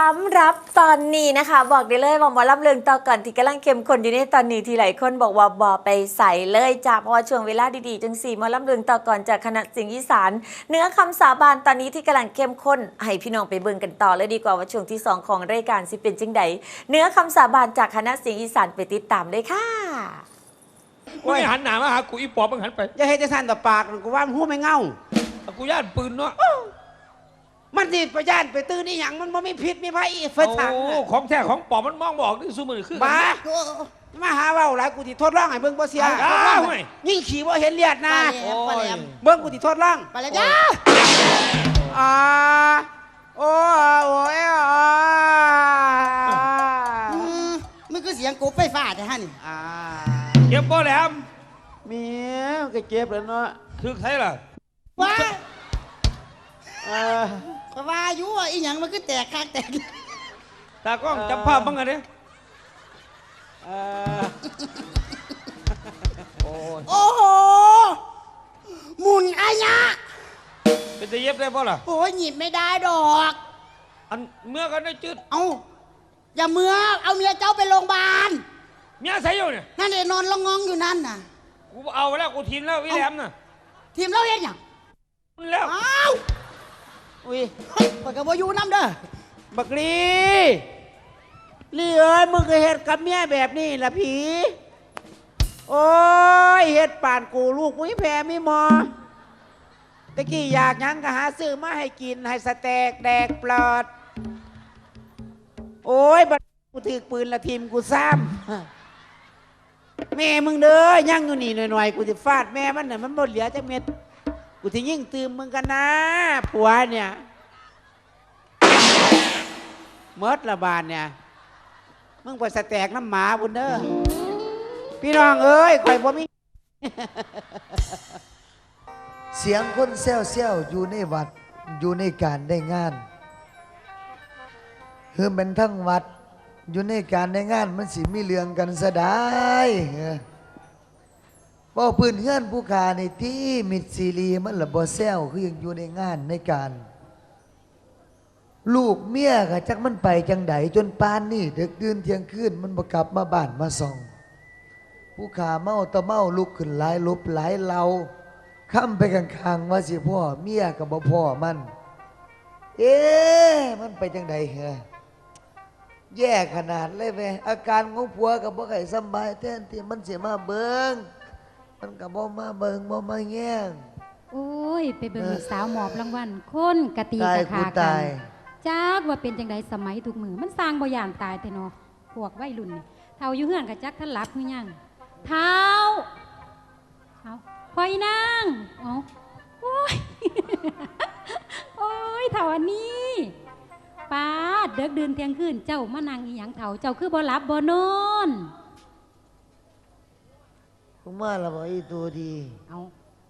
ำหรับตอนนี้นะคะบอกได้เลยว่าหมอลำเลืองต่อก่อนที่กำลังเข้มข้นอยู่ในตอนนี้ที่หลายคนบอกว่าบ่ไปใส่เลยจ้าเพราะว่าช่วงเวลาดีๆจังสี่หมอลำเลืองต่อก่อนจากคณะเสียงอีสานเนื้อคำสาบานตอนนี้ที่กำลังเข้มข้นให้พี่น้องไปเบิ่งกันต่อเลยดีกว่าว่าช่วงที่2ของรายการสิเป็นจังใดเนื้อคำสาบานจากคณะเสียงอีสานไปติดตามเลยค่ะมึงหันหน้ามาหากูอีปอบมึงหันไปอย่าให้จะสั่นต่อปากกูว่ามันหูไม่เงากูย่านปืนเนาะมันสิประยานไปตื้อนี่หยังมันบ่มีพิษมีภัยเฟิดถังของแท้ของปอบมันมองบอกนี่สู้มือคือบ้ามาหาเว้าหลายกูสิทดลองให้เบิ่งบ่เสียยิ่งขี่บ่เห็นเลียดนะเบิ่งกูสิทดลองไปแล้วจ้าโอ้ยมันคือเสียงกบไฟฟ้าแต่ฮะนี่เก็บบ่แหลมมีก็เก็บแล้วเนาะถึกใช่ล่ะว้าก็ว่าอยู่ว่าอีหยังมันคือแตกคักแตกตากล้องจับภาพบ้างไงเนี่ยโอ้โหหมุนอายะเป็นจะเย็บได้ป่ะล่ะโอ้ยหยิบไม่ได้ดอกอันเมื่อกันได้จืดเอาอย่าเมื่อเอาเมียเจ้าไปโรงพยาบาลเมียใส่อยู่เนี่ยนั่นเองนอนละงองอยู่นั่นน่ะกูเอาแล้วกูทีมแล้ววิแหลมน่ะทีมเราเองอย่างแล้วอ้าวอุ้ยปากกระบอกอยู่น้ำเด้อบักลีลี่เอ้ยมึงเคยเฮ็ดกับเมียแบบนี้ล่ะผีโอ้ยเฮ็ดป่านกูลูกมึงแพ้ไม่มอตะกี้อยากยังก็หาซื้อมาให้กินให้สแต็กแดกปลอดโอ้ยบัดกูถือปืนละทีมกูซ้ำแม่มึงเด้อยังอยู่นี่หน่อยๆกูจะฟาดแม่มันน่ะมันหมดเหลือจักเม็ดกูจะยิ่งตื่มมึงกันนะผัวเนี่ยเมิดละบานเนี่ยมึงไปสแต็กน้ำหมาบุญเด้อพี่น้องเอ้ยข่อยบ่มีเสียงคนแซวๆอยู่ในวัดอยู่ในการได้งานคือเป็นทั้งวัดอยู่ในการได้งานมันสิมีเรื่องกันซะได้บ่พื้นเฮือนผู้ขาในที่มิดซีรีมันละบ่แซวคือยังอยู่ในงานในการลูกเมียก็จักมันไปจังไดจนปานนี่ดึกดื่นเที่ยงคืนมันบ่กลับมาบ้านมาส่องผู้ขาเมาตะเมาลุกขึ้นหลายลบหลายเหลาค้ำไปข้างๆว่าสิพ่อเมียก็บ่พ่อมันมันไปจังไดเหรอแย่ขนาดเลยเว้ยอาการของผัวก็บ่ค่อยสบายแทนที่มันสิมาเบิ่งมันก็บ่มาเบิ่งบ่มาแย่งโอ้ยไปเบิ่งลูกสาวหมอบรางวัลคนกะตีกะขากันจักว่าเป็นจังไดสมัยทุกมือมันสร้างบ่ย่านตายแต่เนาะพวกวัยรุ่นนี่เฒ่าอยู่เฮือนกะจักท่านหลับคือหยังเฒ่าเอาคอยนั่งเอาโอ้ยโอ้ยเฒ่าอันนี้ป้าเด็กเดินเที่ยงคืนเจ้ามานั่งอีหยังเฒ่าเจ้าคือบ่หลับบ่นอนกูมาละบ่อีตัวดีเอา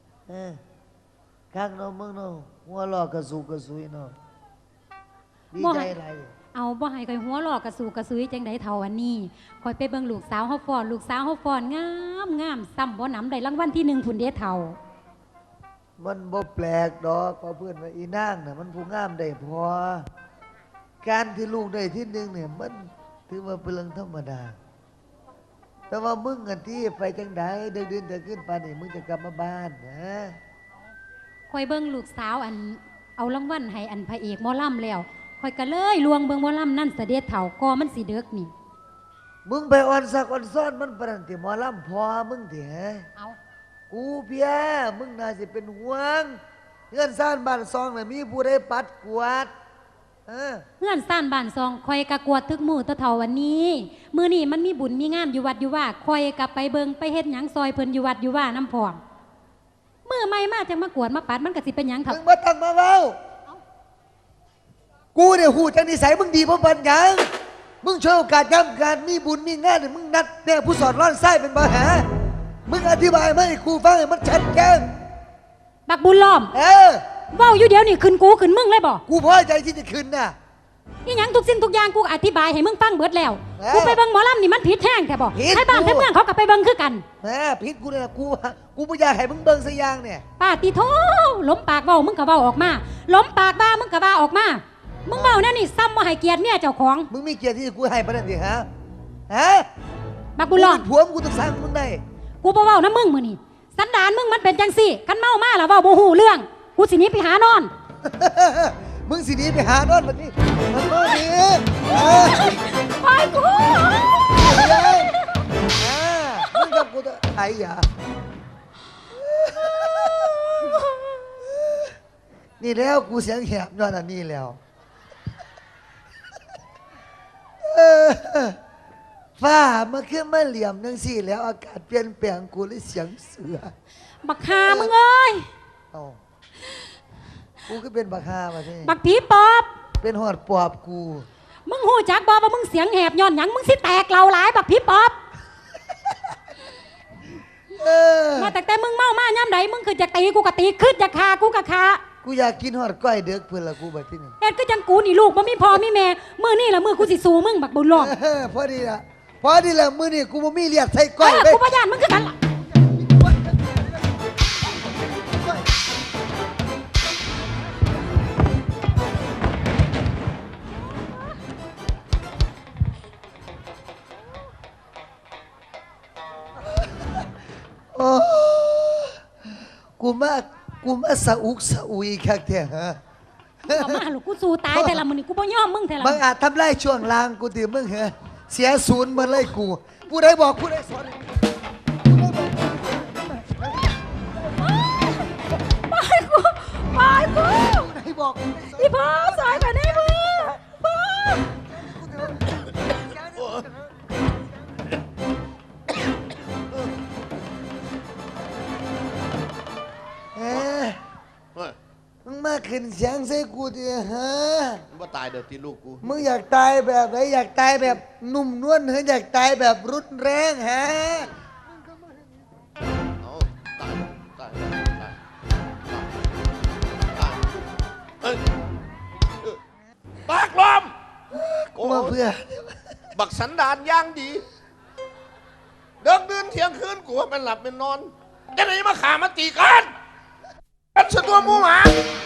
ข้างเนาะมึงเนาะหัวลอกกระสุกกระสุยเนาะดีใจอะไรเอาบ่ให้คอยหัวลอกกระสูกระซุยจังไดเฒ่าอันนี้คอยไปเบิ่งลูกสาวเฮาฟ้อนลูกสาวเฮาฟ้อนงามงามซ้ำบ่หนำได้รางวัลที่1พุ่นเด้เฒ่ามันบ่แปลกดอกเพราะเพื่อนว่าอีนางน่ะมันผู้งามได้พอการที่ลูกได้ที่1เนี่ยมันถือว่าเป็นเรื่องธรรมดาแต่ว่ามึงกันที่ไปจังไดเดินเดินขึ้นไปนี่มึงจะกลับมาบ้านนะคอยเบิ่งลูกสาวอันเอารางวัลให้อันพระเอกหมอลำแล้วคอยก็เลยลวงเบิ่งหมอลำนั่นเสด็จเฒ่าก็มันสิเด็กนี่มึงไปอ่อนสักอ่อนซ้อนมันปานที่หมอลำพอมึงเถอะเอากูเพียมึงน่าสิเป็นห่วงเงื่อนซ่านบ้านซองน่ะมีผู้ใดปัดกวาดเงื่อนซ่านบ้านซองคอยกะกวดทึกมือตะเฒ่าวันนี้มื้อนี้มันมีบุญมีงานอยู่วัดอยู่ว่าคอยกะไปเบิ่งไปเฮ็ดหยังซอยเพิ่นอยู่วัดอยู่ว่าน้ำพองมื้อใหม่มาจังมากวดมาปัดมันก็สิเป็นหยังมึงบ่ต้องมาเว้ากูเนี่ยหูจังนิสัยมึงดีเพราะปัญญามึงช่วยโอกาสย้ำการมีบุญมีงานเนี่ยมึงนัดแม่ผู้สอนร้อนไส้เป็นปัญหามึงอธิบายมาให้กูฟังให้มันชัดแจ้งบักบุญล้อมเว้าอยู่เดี๋ยวนี่ขึ้นกูขึ้นมึงเลยบ่กูพอใจที่จะขึ้นน่ะนี่หยังทุกสิ่งทุกอย่างกูอธิบายให้มึงฟังเบิดแล้วกูไปเบิ่งหมอลำนี่มันผิดแท้งแท้บ่ให้บ้านให้เมืองเขาก็ไปเบิ่งคือกันผิดกูเนี่ยกูบ่อยากให้มึงเบิ่งสักอย่างเนี่ยป้าติโธล้มปากเว้ามึงก็เว้าออกมาล้มปากบ้ามึงก็บ้าออกมามึงเมาแน่นี่ซ้ำบ่ให้เกียรติเมียเจ้าของมึงมีเกียรติที่กูให้ปะนั่นดิฮะฮะบักบุญรอดกูเป็นผัวมึงกูต้องสร้างมึงได้กูบ่เว้านะมึงมื้อนี้สันดานมึงมันเป็นจังซี่คันเมามาแล้วเว้าบ่ฮู้เรื่องกูสิหนีไปหานอนมึงสิหนีไปหานอนแบบนี้มันก็ดีไปกูมึงกับกูจะไอ้ยานี่แล้วกูเสียงแหบย้อนอันนี้แล้วฟ้ามันขึ้นมาเหลี่ยมนังสี่แล้วอากาศเปลี่ยนแปลงกูเลยเสียงเสือบักหามึงเอ้ยเอากูก็เป็นบักฮามาที่บักผีปอบเป็นหอดปอบกูมึงหูจักบ่ว่ามึงเสียงแหบย้อนหยังมึงสิแตกเหล่าหลายบักผีปอบเออมาแต่มึงเมามาย่ำใดมึงคือจะตีกูก็ตีขึ้นจะฆ่ากูก็ฆ่ากูอยากกินหอดก้อยเด็กเพื่อนละกูบัดที่นี่เอ็ดก็จังกูนี่ลูกบ่มีพ่อมีแม่มื้อนี่ล่ะมื้อกูสิสู้มึงบักบุญรอดพอดีละพอดีละมือนี่กูบ่มีเลียดใส่ก้อยไปกูบ่ย่านมึงคือกันล่ะโอ้กูมาสะอุกสะอุยคักแท้ฮะเอามาลูกกูสู้ตายแต่ละมื้อนี่กูบ่ยอมมึงแต่ละมึงอาจทำลายช่วงล่างกูติมึงเหรอเสียศูนย์หมาเลยกูผู้ใดบอกผู้ใดสอนไปกูไปกูผู้ใดบอกผู้ใดสอนอีพ่อสายกันได้มื้อพ่อเอ๊ะเฮ้ยมึงมาขึ้นเสียงใส่กูดิฮะมึงว่าตายเดี๋ยวที่ลูกกูมึงอยากตายแบบไหนอยากตายแบบนุ่มนวลหรืออยากตายแบบรุนแรงฮะเอาตายเอ้ยปากลมกูมาเพื่อบักสันดานย่างดีเดินเดินเที่ยงคืนกูว่าเป็นหลับเป็นนอนจะไหนมาขามาตีกันกันสะตัวหมูหมา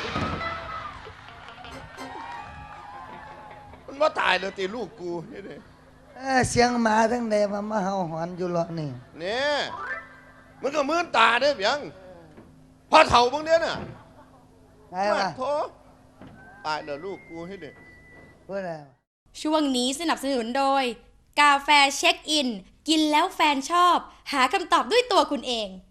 มันว่าตายเลยตีลูกกูนี่ดิเสียงหมาทั้งใดมาเห่าหอนอยู่หรอกนี่เนี่ยมันก็มืนตาเด้อเพียงพอเถ่าพวกเนี้ยน่ะไงวะโถตายเลยลูกกูให้เด็กเพื่อนอะไรช่วงนี้สนับสนุนโดย กาแฟเช็คอิน กินแล้วแฟนชอบ หาคำตอบด้วยตัวคุณเอง